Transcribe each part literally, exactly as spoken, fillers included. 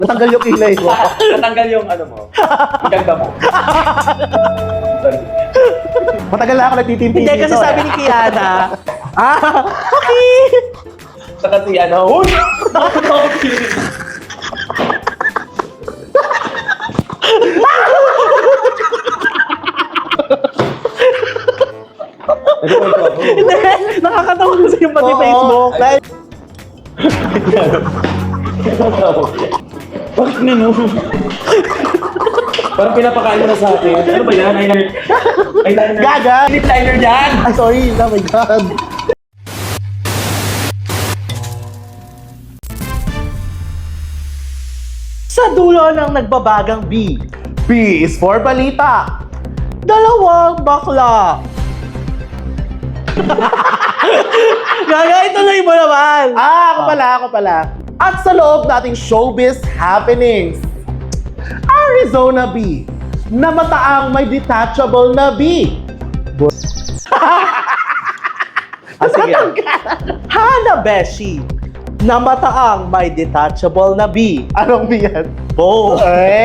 Natanggal yung kilay mo. Natanggal yung ano mo. Yung ganda mo. Matagal na ako nagtitimpi Hindi, kasi dito, sabi eh. ni Kiana, ah, okay. Sa kasi ano, huy! Hindi, nakakatawa kasi yung pati Oo. Facebook. Like, Bakit nino? Parang pinapakain mo na sa akin. Ano ba yan? Eyeliner? Eyeliner? Gaga! Lip liner yan! Ay, sorry. Oh my God. sa dulo ng nagbabagang B, B is for balita. dalawang bakla. Gaga, ituloy mo naman. Ah, ako pala, ako pala. At sa loob nating showbiz happenings, Arizona B, na mataang may detachable na B. Ah, sige. Hana Beshi, na mataang may detachable na B. Anong B yan? Bo.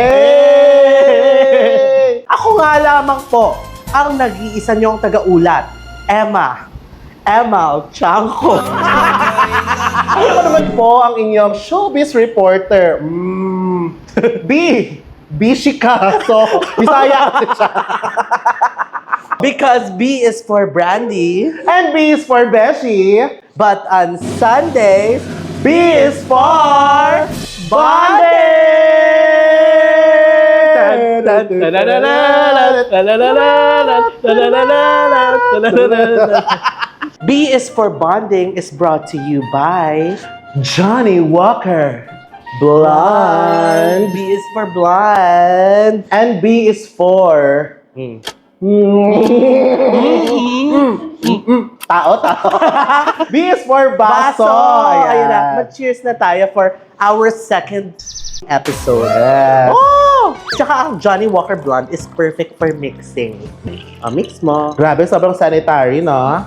Hey! Ako nga lamang po ang nag-iisa niyong taga-ulat, Emma. Emma Chanko. Ako naman po ang inyong showbiz reporter. Mm. B. Bishi ka. So, Bisaya kasi siya. Because B is for Brandy, And B is for Beshi. but on Sundays, B is for B is for bonding is brought to you by Johnny Walker. Blonde. B is for blonde. And B is for... Mm. Tao, tao. B is for baso. Baso. Ayun na. Mag-cheers na tayo for our second episode. Yes. Oh! Tsaka ang Johnny Walker Blonde is perfect for mixing. Ah, mix mo. Grabe, sobrang sanitary, no?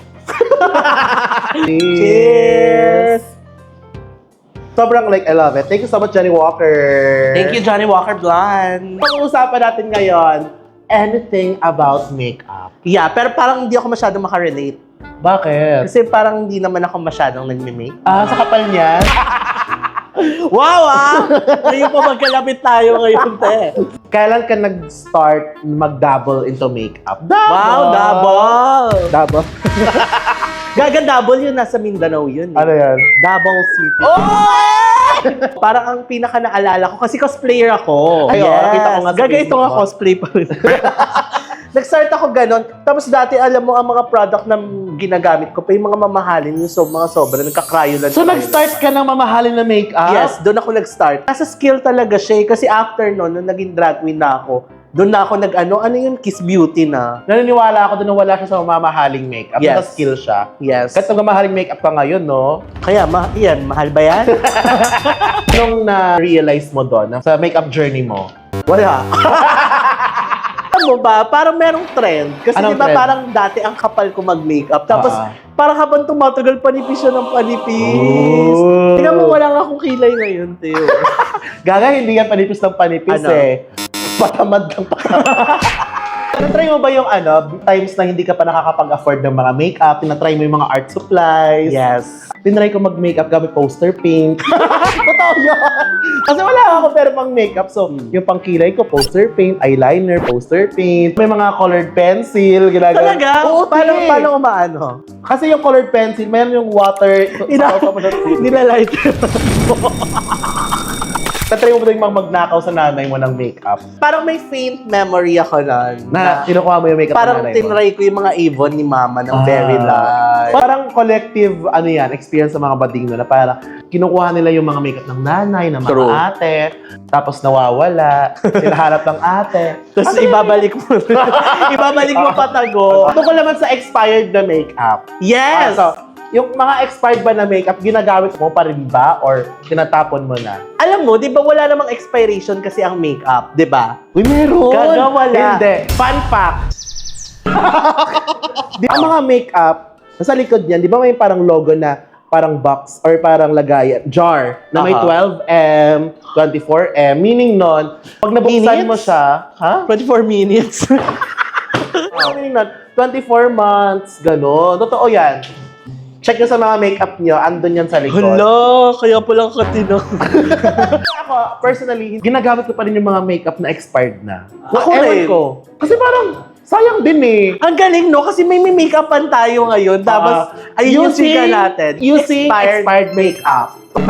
Cheers! Sobrang like, I love it. Thank you so much, Johnny Walker. Thank you, Johnny Walker Blonde. Pag-uusapan natin ngayon, anything about makeup. Yeah, pero parang hindi ako masyadong makarelate. Bakit? Kasi parang hindi naman ako masyadong nagme-make. Ah, sa kapal niyan? Wow, ah! Ngayon pa magkalapit tayo ngayon, te. Kailan ka nag-start mag-double into makeup? Double! Wow, double! Double? Gaga double yun, nasa Mindanao yun. Eh. Ano yan? Davao City. Oh! Parang ang pinaka naalala ko, kasi cosplayer ako. Ay, oo, nakita ko nga sa Gaga ito Facebook nga mo. cosplay pa rin. Nag-start ako ganon. Tapos dati, alam mo, ang mga product na ginagamit ko pa yung mga mamahalin, yung so, mga sobra, nagka-cryo lang. So, nag-start ka ng mamahalin na makeup? Yes, doon ako nag-start. Nasa skill talaga siya eh, kasi after noon, nung naging drag queen na ako, doon na ako nag-ano, ano yung Kiss Beauty na. Naniniwala ako doon na wala siya sa mamahaling makeup. Yes. Naka-skill siya. Yes. Kahit nagmamahaling makeup ka ngayon, no? Kaya, ma yan, mahal ba yan? Anong na-realize mo doon sa makeup journey mo? Wala. Alam mo ba, parang merong trend. Kasi Anong di ba trend? parang dati ang kapal ko mag-makeup. Tapos Ah. parang habang tumatagal, panipis siya ng panipis. Oh. Tingnan mo, wala nga akong kilay ngayon, Teo. Gaga, hindi yan panipis ng panipis Ano? eh. Patamad ng patamad. Tinatry mo ba yung ano, times na hindi ka pa nakakapag-afford ng mga makeup, tinatry mo yung mga art supplies? Yes. Tinry ko mag-makeup gamit poster paint. Totoo yun! Kasi wala ako pero pang makeup. So, yung pang kilay ko, poster paint, eyeliner, poster paint. May mga colored pencil, ginagawa. Talaga? Oo, paano, te. paano umaano? Kasi yung colored pencil, mayroon yung water. Ina- Nilalight. Tatry mo ba yung mga magnakaw sa nanay mo ng makeup? Parang may faint memory ako nun. Na, kinukuha mo yung makeup parang ng nanay mo? tinry ko yung mga Avon ni Mama ng very light. Parang collective, ano yan, experience sa mga bading na parang kinukuha nila yung mga makeup ng nanay, ng mga True. ate, tapos nawawala, sinahanap ng ate. Tapos ibabalik mo. ibabalik mo patago. Tungkol naman sa expired na makeup. Yes! Ah, so, yung mga expired ba na makeup, ginagamit mo pa rin ba? Or tinatapon mo na? Alam mo, di ba wala namang expiration kasi ang makeup, di ba? Uy, meron! Gaga, wala. Hindi. Fun fact. Di ang mga makeup, nasa likod niyan, di ba may parang logo na parang box or parang lagayan, jar na may Aha. twelve M, twenty-four M. Meaning nun, pag nabuksan Minutes? mo siya, ha? twenty-four minutes. Ano meaning nun? twenty-four months, gano'n. Totoo yan. Check nyo sa mga makeup nyo, andun yan sa likod. Hala, kaya palang katino. Ako, personally, ginagamit ko pa rin yung mga makeup na expired na. Ako Ewan rin. ko. Kasi parang, sayang din eh. Ang galing, no? Kasi may make-upan tayo ngayon. Tapos, Ah, ayun yung siga natin. Using expired, Expired. makeup.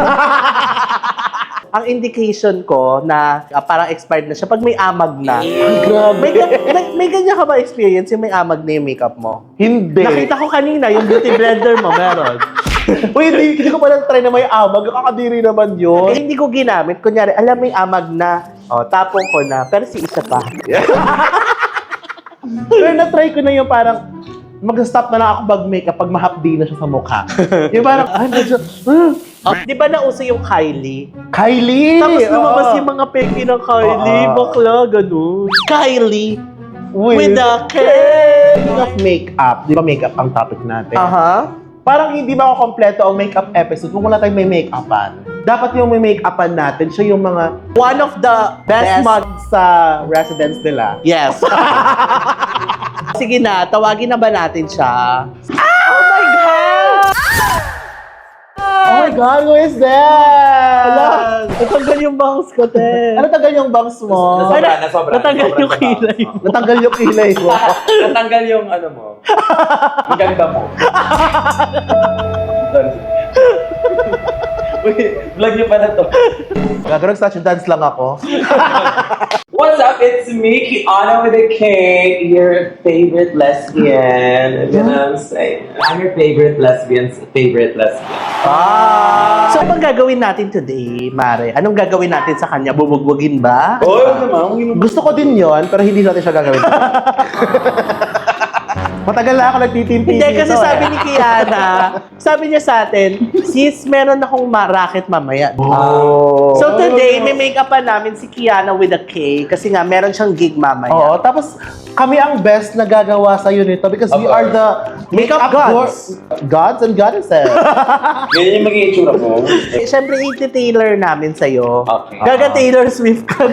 Ang indication ko na ah, parang expired na siya pag may amag na. Grabe. May, ga- may, may ganyan ka ba experience yung may amag na yung makeup mo? Hindi. Nakita ko kanina, yung beauty blender mo, meron. Uy, hindi, hindi ko pala try na may amag. Kakadiri naman Eh, yun. hindi ko ginamit. Kunyari, alam mo yung amag na, oh, tapong ko na, pero si isa pa. Pero na-try ko na yung parang, mag-stop na lang ako mag-makeup pag mahapdi na siya sa mukha. Yung parang, ah, medyo, hmm, Oh, di ba nauso yung Kylie? Kylie! Tapos lumabas Oo. yung mga peki ng Kylie, Oo. bakla, ganun. Kylie Uy. with a K. Speaking of makeup, di ba makeup ang topic natin? Aha. Parang hindi ba ako kompleto ang makeup episode kung wala tayong may make-upan. Dapat yung may make-upan natin, siya yung mga One of the best best, mugs sa residence nila. Yes. Sige na, tawagin na ba natin siya? Oh my God! Oh my God, who is that? Ala, natanggal yung bangs ko, te. Ano tagal yung bangs mo? Nasobra, Ay, nasobra. natanggal nasobra yung na ba? kilay mo. Natanggal yung kilay mo. Natanggal yung ano mo. Ang ganda mo. Uy, vlog niyo pa na to. Gagawin statue dance lang ako. What's up? It's me, Kiana with a K, your favorite lesbian. You know what I'm saying? I'm your favorite lesbian's favorite lesbian. Ah! So, anong gagawin natin today, Mare? Anong gagawin natin sa kanya? Bubugbugin ba? Oh, naman. Gusto ko din yon pero hindi natin siya gagawin. Matagal na ako nagtitimpi Hindi, dito kasi sabi eh. ni Kiana, sabi niya sa atin, sis, meron akong ma- racket mamaya. Oh. So today, may make-upan namin si Kiana with a K kasi nga meron siyang gig mamaya. Oo, tapos kami ang best na gagawa sa nito because we Of are the Makeup gods. go- gods and goddesses. Ganyan yung magiging itsura mo. Eh, Siyempre, iti-tailor namin sa'yo. Okay. Gaga Taylor Swift ka.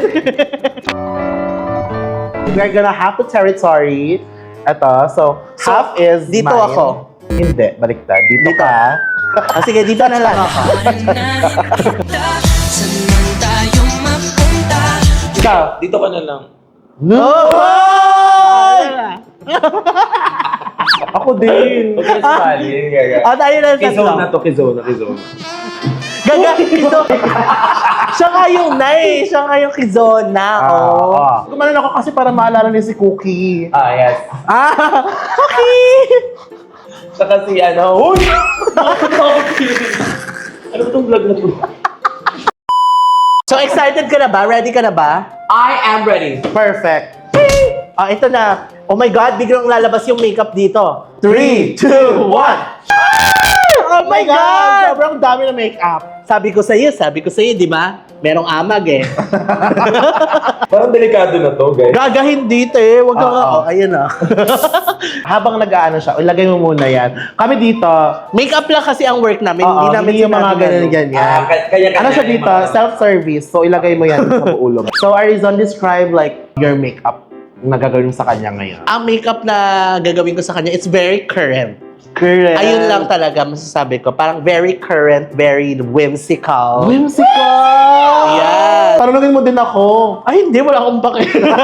We're gonna have the territory. Ito, so, So, half is dito mine. ako. Hindi, baliktad. Dito, Dito. ka. Ah, sige, dito na lang ako. Saan tayo mapunta? Ikaw. Dito ka na lang. No! Ay! Ako din. Huwag ka na sumali. Gaga. Oh, tayo na lang Kizona tatlo. to, Kizona, Kizona. Gaga, Kizo. Siya nga yung nai. Siya nga yung Kizona. Oh. Ah, Gumanon ako kasi para maalala niya si Cookie. Ah, yes. Ah, okay. Saka si ano, Uy! Ano ba itong vlog na to? So, excited ka na ba? Ready ka na ba? I am ready. Perfect. Ah, ito na. Oh my God, biglang lalabas yung makeup dito. Three, two, one. Oh my God! Sobrang dami na makeup. Sabi ko sa'yo, sabi ko sa'yo, di ba? Merong amag eh. Parang delikado na to, guys. Gaga hindi, te. Huwag ka Oo. nga. Oh, ayun ah. Habang nag-aano siya, ilagay mo muna yan. Kami dito, Makeup lang kasi ang work namin. oo, hindi namin hindi yung mga sinabi ganyan ano. ganyan. Ah, kaya- kaya- Ano siya kaya- dito? Self-service. So, ilagay mo yan sa ulo. So, Arizon, describe like your makeup na gagawin mo sa kanya ngayon. Ang makeup na gagawin ko sa kanya, it's very current. Correct. Ayun lang talaga masasabi ko. Parang very current, very whimsical. Whimsical! Yes. Tanungin mo din ako. Ay, hindi. Wala akong pake.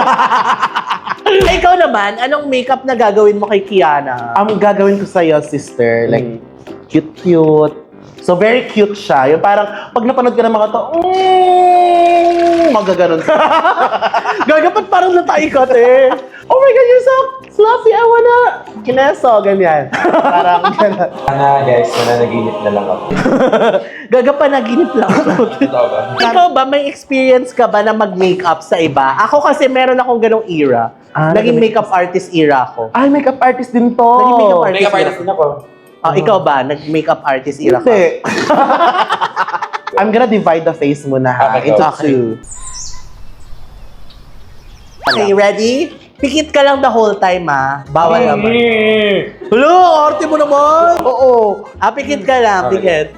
Ikaw naman, anong makeup na gagawin mo kay Kiana? Ang gagawin ko sa'yo, sister, like, cute-cute. So, very cute siya. Yung parang, pag napanood ka ng mga to, mm, magaganon siya. Gagapat parang natay ka, te. Oh my God, you're so fluffy. I wanna kineso. Ganyan. Parang ganun. Sana, guys, mananaginip na lang ako. Gagapa naginip lang ako. Totoo ba? Ikaw ba, may experience ka ba na mag-makeup sa iba? Ako kasi meron akong ganong era. Ah, Naging nag- makeup artist era ako. Ay, makeup artist din to. Naging makeup artist. Makeup artist din ako. Ah, ikaw ba, nag-makeup artist era ka? Hindi. I'm gonna divide the face muna ha. Okay, Into okay. two. Okay, ready? Pikit ka lang the whole time, ah. Bawal Mm. naman. Hello, arte mo naman. Oo. Ah, pikit ka lang, pikit.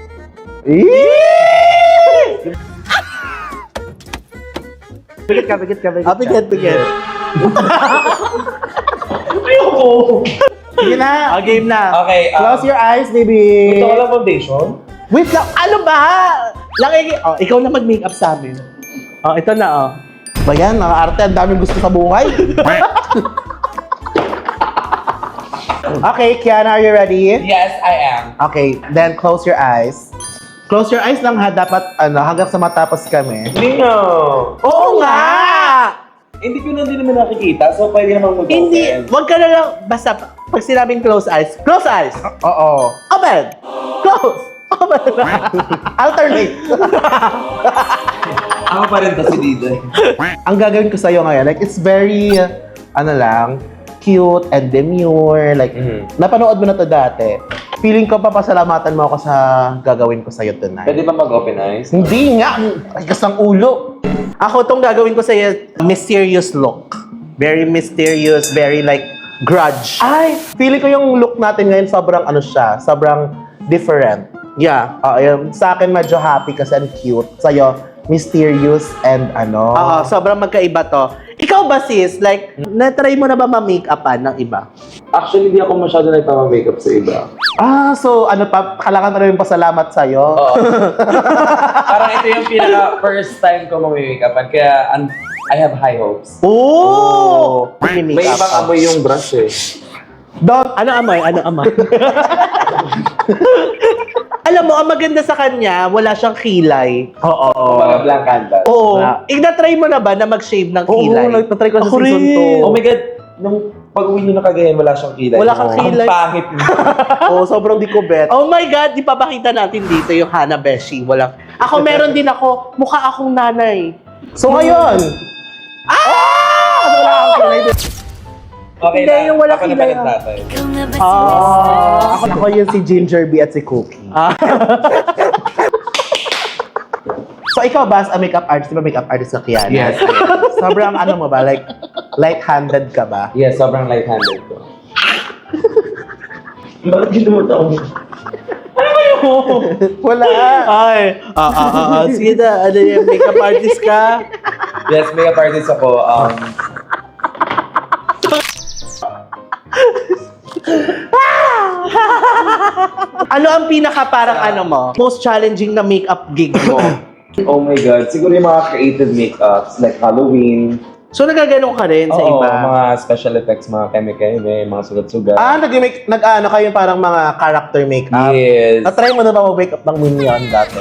Pikit ka, pikit ka, pikit Ah, pikit, pikit. Ayoko! Sige na. Ah, game na. Okay, um, Close your eyes, baby. Ito ko lang foundation. Wait lang, ano ba? Lang, oh, ikaw na mag-makeup sa amin. Oh, ito na, oh. Ba yan, mga arte, ang daming gusto sa buhay. Okay, Kiana, are you ready? Yes, I am. Okay, then close your eyes. Close your eyes lang ha, dapat ano, hanggang sa matapos kami. Hindi nga. Oo nga! Hindi ko na din naman nakikita, so pwede naman mag-open. Hindi, wag ka na lang, basta pag sinabing close eyes, close eyes! Oo. Open! Close! Open! Alternate. Ako pa rin to si Didoy. Ang gagawin ko sa'yo ngayon, like, it's very, uh, ano lang, cute and demure. Like, Mhm. napanood mo na to dati. Feeling ko papasalamatan mo ako sa gagawin ko sa'yo tonight. Pwede ba mag-open eyes? Hindi nga! Ay, kasang ulo. Ako tong gagawin ko sa'yo, mysterious look. Very mysterious, very like grudge. Ay! Feeling ko yung look natin ngayon sobrang ano siya, sobrang different. Yeah. Oo, yun. Sa akin medyo happy kasi and cute. Sa'yo, mysterious and ano. Oo, sobrang magkaiba to. Ikaw ba sis, like, na-try mo na ba ma-make-upan ng iba? Actually, hindi ako masyado nagpama-makeup sa iba. Ah, so ano pa, kailangan na rin pasalamat sa'yo. Oo. Parang ito yung pinaka first time ko mag-makeupan, kaya an- I have high hopes. Oh! May ibang amoy yung brush eh. Don't, Ano amoy? Ano amoy? Alam mo, ang maganda sa kanya, wala siyang kilay. oo. Mga blank canvas. Oo. Wala. Ina-try mo na ba na mag-shave ng Oo, kilay? nagtatry ko sa Ako season rin. two. Oh my God, nung pag-uwi nyo na Cagayan, wala siyang kilay. Wala kang Ang kilay. pangit niya. Oo, sobrang di ko bet. Oh my God, ipapakita natin dito yung Hana Beshi. Walang... Ako meron din ako, mukha akong nanay. So ngayon, Ah! wala akong kilay. Okay Hindi, na, yung wala ako na kilay, palit ah. tatay. Ikaw nga ba Ah. Ako, ako yun si Ginger Bee at si Cookie. Ah. So ikaw ba, a makeup artist, di ba makeup artist ka Kiana? Yes. Sobrang ano mo ba, like, light-handed ka ba? Yes, sobrang light-handed ko. Bakit ginamot ako? Wala. Ay, ah, ah, ah, ah. Sige na, ano yung makeup artist ka? Yes, makeup artist ako. Um, Ano ang pinaka parang ano mo? Most challenging na makeup gig mo? oh my God, siguro yung mga creative makeups, like Halloween. So nagaganon ka rin sa Oo, iba? mga special effects, mga keme-keme, mga sugat-sugat. Ah, nag-make, nag-ano kayo parang mga character makeup? Yes. Na-try mo na ba mag-makeup ng Minion dati?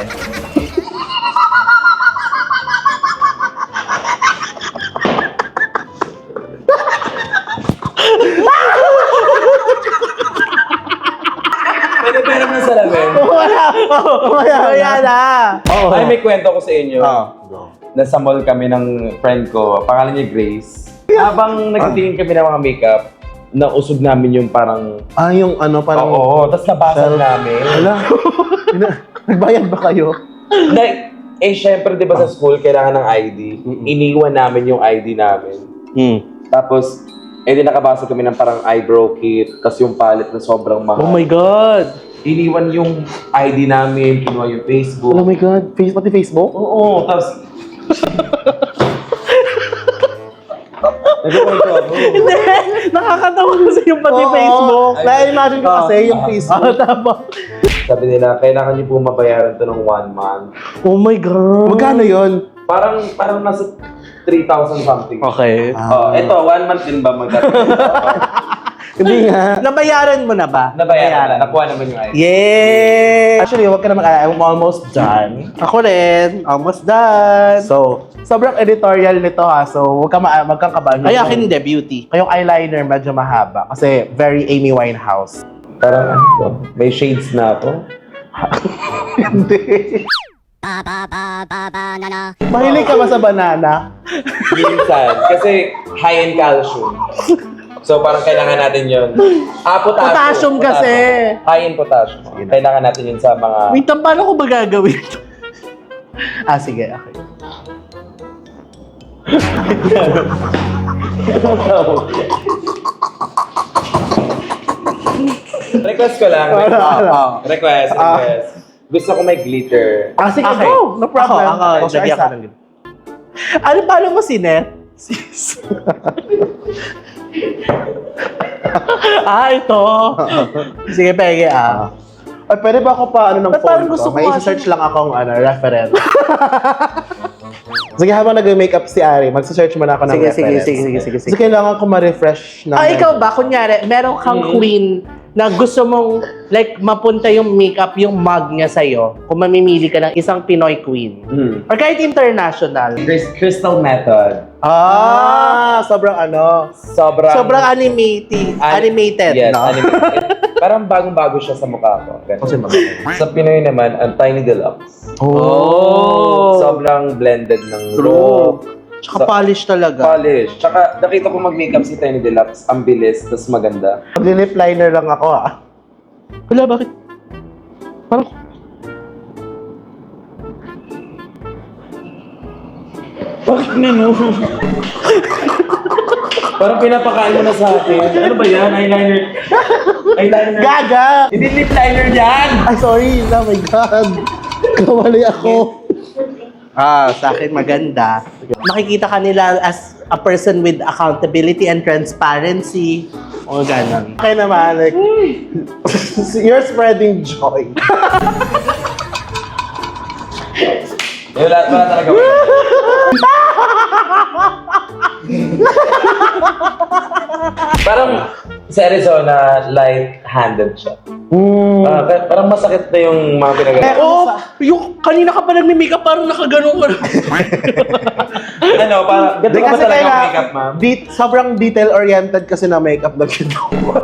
Pwede pera mo sa lamin. Wala! Wala! Wala na! Oo. Ay, may kwento ko sa inyo. Ah. Nasa mall kami ng friend ko, pangalan niya Grace. Habang nagtitingin kami ng mga makeup, nausog namin yung parang... Ah, yung ano, parang... Oo, tapos nabasag Self- namin. Wala. Ina- Nagbayad ba kayo? Like, eh, syempre, di ba sa school, kailangan ng I D. Iniwan namin yung I D namin. Hmm. Tapos, eh, di nakabasa kami ng parang eyebrow kit, tapos yung palette na sobrang mahal. Oh my God! Iniwan yung I D namin, kinuha yung Facebook. Oh my God. Face, pati Facebook? Oo, tapos... Nagkukwento ako. Hindi! Nakakatawa kasi yung pati Oo. Facebook. Na-imagine ko kasi yung Ah, Facebook. tama. Sabi nila, kailangan niyo po mabayaran to ng one month. Oh my God! Magkano yun? Parang, parang nasa three thousand something. Okay. Oh, eto, one month din ba magkakaroon? Hindi nga. Nabayaran mo na ba? Nabayaran na, nakuha naman yung I D. Yeah! Actually, wag ka na mag- I'm almost done. Ako rin. Almost done. So, sobrang editorial nito ha. So, wag ka ma- wag kang kabahan. Ay, akin hindi. Beauty. Kayong eyeliner medyo mahaba kasi very Amy Winehouse. Parang ano to? May shades na ako. Hindi. Mahilig ka ba sa banana? Minsan. Kasi high in calcium. So parang kailangan natin yun. Ah, potassium. Potassium kasi. High in potassium. Kailangan natin yun sa mga... Wait, paano ko ba gagawin ito? Ah, sige. Okay. Request ko lang. Wala, wala. Request, Ah. request. Gusto ko may glitter. Ah, sige, Okay. go! No problem. Ako, ako, Poster lagyan isa. ko ng ganito. Ano, paano mo si Net? Sis. ah, ito. Sige, pege ah. Ay, pwede ba ako pa, ano, ng Ba't phone parang ko? gusto ko May nga search lang akong, ano, reference. Sige, habang nag-makeup si Ari, mag-search muna ako ng Sige, sige, reference. sige, sige, sige, sige. Kasi kailangan ko ma-refresh na. Ah, ikaw ba? Kunyari, meron kang queen na gusto mong, like, mapunta yung makeup, yung mug niya sa'yo, kung mamimili ka ng isang Pinoy queen. Mm. Or kahit international. Chris- Crystal Method. Ah, sobrang ano. Sobrang... Sobrang animated. An- animated, yes, no? animated. Parang bagong-bago siya sa mukha ko. Ganun. Kasi mag- Sa Pinoy naman, ang Tiny Deluxe. Oh. Sobrang blended ng True. look. Tsaka polish talaga. Polish. Tsaka nakita ko mag-makeup si Tiny Deluxe. Ang bilis, tas maganda. Mag-lip liner lang ako, ah. Wala, bakit? Parang... Bakit nino? Parang pinapakain mo na sa akin. Ano ba yan? Eyeliner. Eyeliner. Gaga! Hindi lip liner yan! Ay, sorry. Oh my God. Kamali ako. Ah, sa akin maganda. Makikita ka nila as a person with accountability and transparency. O ganon. Okay naman, like, you're spreading joy. Eh, wala, wala talaga. Parang sa Arizona, light-handed siya. Mm. Ah, pa- parang masakit na yung mga pinagawa. Oh, yung kanina ka pa nagme-makeup parang nakaganon ka. ano, parang, ganito Di ka ba kasi talaga kaya, ang makeup, ma'am? de- sobrang detail-oriented kasi na makeup na ginawa.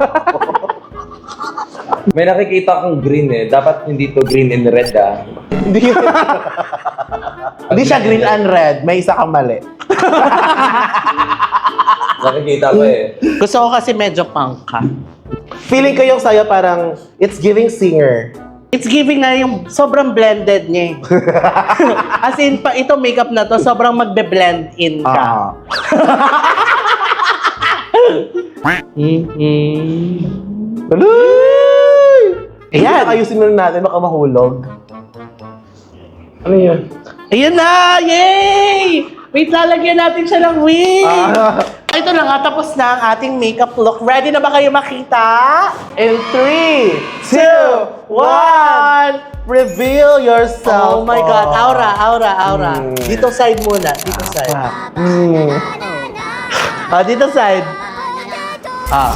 May nakikita akong green eh. Dapat hindi to green and red ah. Hindi Hindi siya green and red. May isa kang mali. Nakikita ko eh. Gusto ko kasi medyo punk ka. Feeling ko yung sa'yo parang, it's giving singer. It's giving na yung sobrang blended niya eh. As in, pa, ito makeup na to, sobrang magbe-blend in ka. Ah. Mm-hmm. Tuloy! Ayan. Ayusin muna natin, baka mahulog. Ano yun? Ayan na! Yay! Wait, lalagyan natin siya ng wig! Ah. Ito na nga, tapos na ang ating makeup look. Ready na ba kayo makita? In three, two, one, reveal yourself. Oh my God, aura, aura, aura. Mm. Dito side muna, dito side. Mm. Ah, dito side. Ah.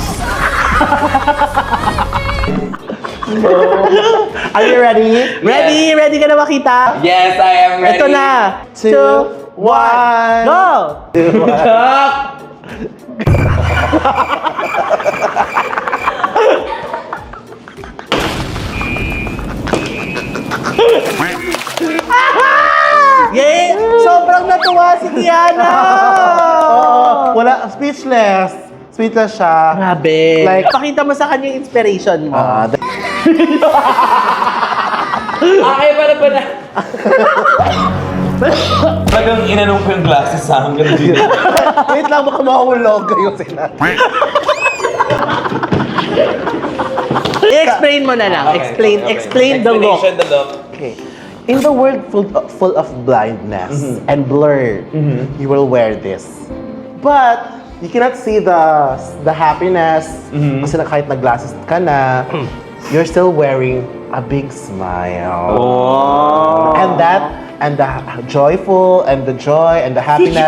Are you ready? Ready? Ready ka na makita? Yes, I am ready. Ito na. Two, Two, one. go! Stop! Yay! Sobrang natuwa si Kiana! Oo, wala, speechless. Speechless siya. Grabe. Like- pakita mo sa kanya yung inspiration mo. Ah, th- Okay, para pa na. Talagang inanong ko yung glasses sa akin. Ganun din. Wait lang, baka mahulog kayo sila. I-explain mo na lang. Okay, explain okay, okay. explain the look. Explanation, the look. Okay. In the world full of, full of blindness and blur, you will wear this. But you cannot see the the happiness kasi na kahit nag-glasses ka na, you're still wearing a big smile. Oh. And that and the joyful and the joy and the happiness.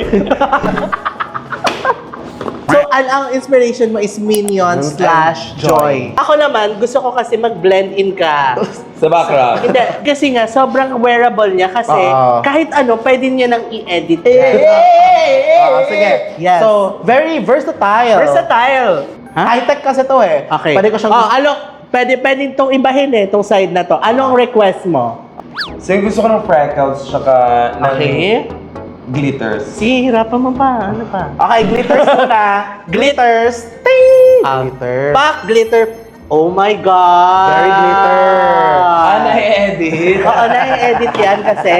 So, ang, ang inspiration mo is Minion Mm, slash and Joy. Joy. Ako naman, gusto ko kasi mag-blend in ka. Sa background. Hindi, kasi nga, sobrang wearable niya kasi Oo. kahit ano, pwede niya nang i-edit Eh, yan. Ah, sige. Yes. So, very versatile. Versatile. Ha? High-tech kasi to eh. Okay. Pwede ko siyang... Oh, ano, pwede, pwede itong ibahin eh, itong side na to. Anong request mo? So, yung gusto ko ng freckles, tsaka ng Okay. glitters. Sige, hirapan mo pa. Ano pa? Okay, glitters muna. Glitters. Ting! Ah, Glitter. Pack glitter. Oh my God! Very glitter. Ah, na-edit. Oo, na-edit yan kasi.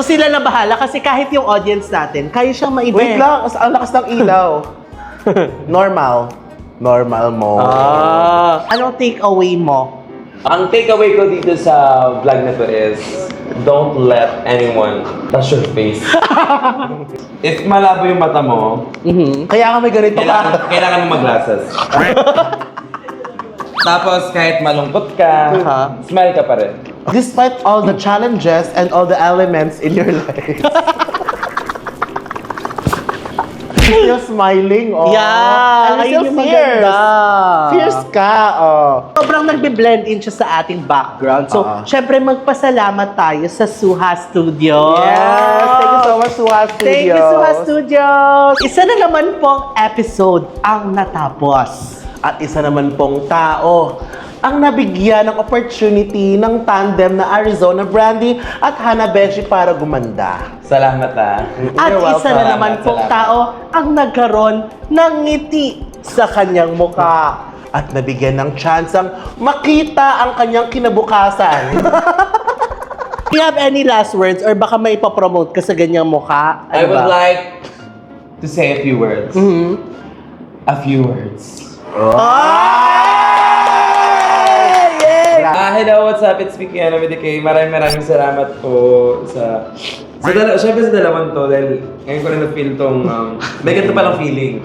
sila na bahala kasi kahit yung audience natin, kaya siyang maiba. Wait lang, as- ang lakas ng ilaw. Normal. Normal mo. Ah, anong take away mo? Ang takeaway ko dito sa vlog na to is, don't let anyone touch your face. If malabo yung mata mo, Mhm. Kaya ka may ganito kailangan, ka. kailangan mo mag-glasses. Tapos kahit malungkot ka, Aha. smile ka pa rin. Despite all the challenges and all the elements in your life. You're smiling, oh. Yeah, And ayun you're yung fierce. maganda. Fierce ka, oh. Sobrang nagbe-blend in siya sa ating background. So, Ah. syempre magpasalamat tayo sa Suha Studios. Yes, thank you so much, Suha Studios. Thank you, Suha Studios. Isa na naman pong episode ang natapos. At isa naman pong tao ang nabigyan ng opportunity ng tandem na Arizona Brandy at Hanabeshi para gumanda. Salamat ah. At You're isa welcome. na naman pong Salamat. tao ang nagkaroon ng ngiti sa kanyang mukha. At nabigyan ng tsansang makita ang kanyang kinabukasan. Do you have any last words or baka may ipapromote ka sa ganyang mukha? I Ano would ba? like to say a few words. Mhm. A few words. Ah, hello, what's up? It's Vicky Ano with the K. Maraming maraming salamat po sa... Sa dala, syempre sa dalawang to, dahil ngayon ko rin na-feel tong... Um, may ganito palang feeling.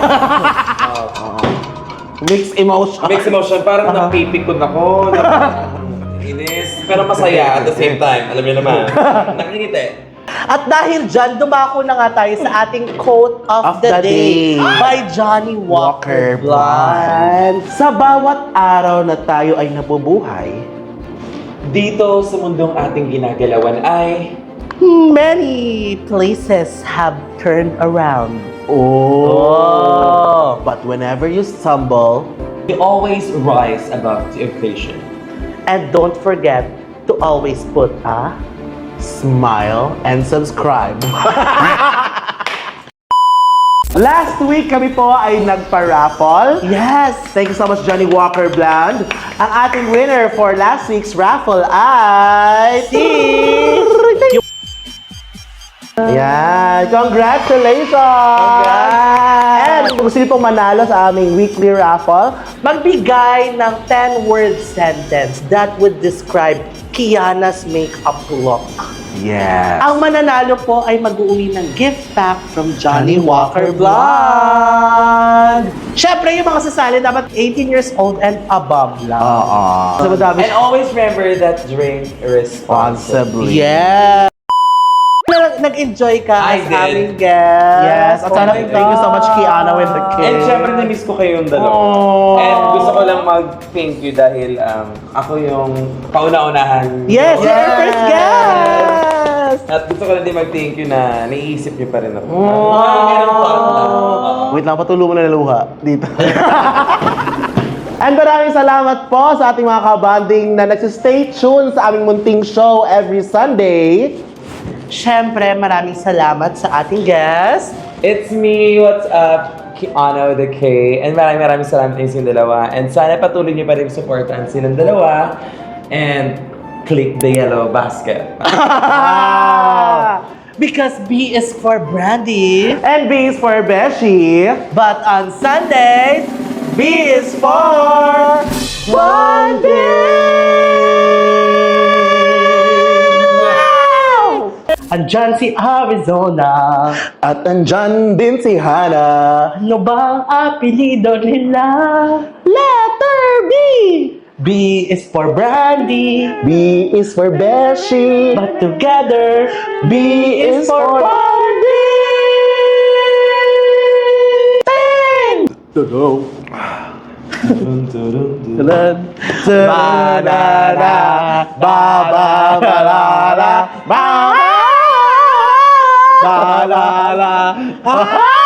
Mixed emotion. Mixed emotion, parang napipikon ako, inis, pero masaya at the same time. Alam niyo naman, nakikita. At dahil dyan, dumako na nga tayo sa ating quote of, Of the, the day, day. by Johnny Walker, Walker Blunt. Sa bawat araw na tayo ay nabubuhay, Dito sa mundong ating ginagalawan ay... Many places have turned around. oh. But whenever you stumble, We always rise above the occasion. And don't forget to always put a... smile and subscribe. Last week kami po ay nagpa-raffle. Yes! Thank you so much, Johnny Walker Bland. Ang ating winner for last week's raffle ay... Si... Yan! Congratulations! And kung gusto niyo pong manalo sa aming weekly raffle, Magbigay ng ten-word sentence that would describe Kiana's makeup look. yes. Ang mananalo po ay mag-uwi ng gift pack from Johnny Johnny Walker Walker Blonde. Siyempre, yung mga sasali dapat eighteen years old and above lang. Oo. So, madami And always remember that drink responsibly. responsibly. Yeah. Nag-enjoy ka I as did. aming guest. Yes. At sana, Oh my thank you so much, God. Kiana, with the kids. And syempre, na-miss ko kayong dalawa. Aww. And gusto ko lang mag-thank you dahil um, ako yung kauna-unahan. Yes, you're our Yes. first guest! At gusto ko lang din mag-thank you na naiisip niyo pa rin ako. Aww. Mga ganun po ako lang. Oo. Wait lang, patulo mo na ng luha. Dito. And maraming salamat po sa ating mga kabanding na nagsistay tuned sa aming munting show every Sunday. Siyempre, maraming salamat sa ating guest. It's me, what's up? Kiana with the K. And maraming maraming salamat sa inyong dalawa. And sana patuloy niyo pa rin supportan silang dalawa. And click the yellow basket. Ah, because B is for Brandy. And B is for Beshi. But on Sundays, B is for Brandy! Andyan si Arizona. At andyan din si Hana. Ano bang apelido nila? Letter B! B is for Brandy. B is for Beshi. But together, B is for Brandy! Tudong! Banana, baba, balala, ba, balala.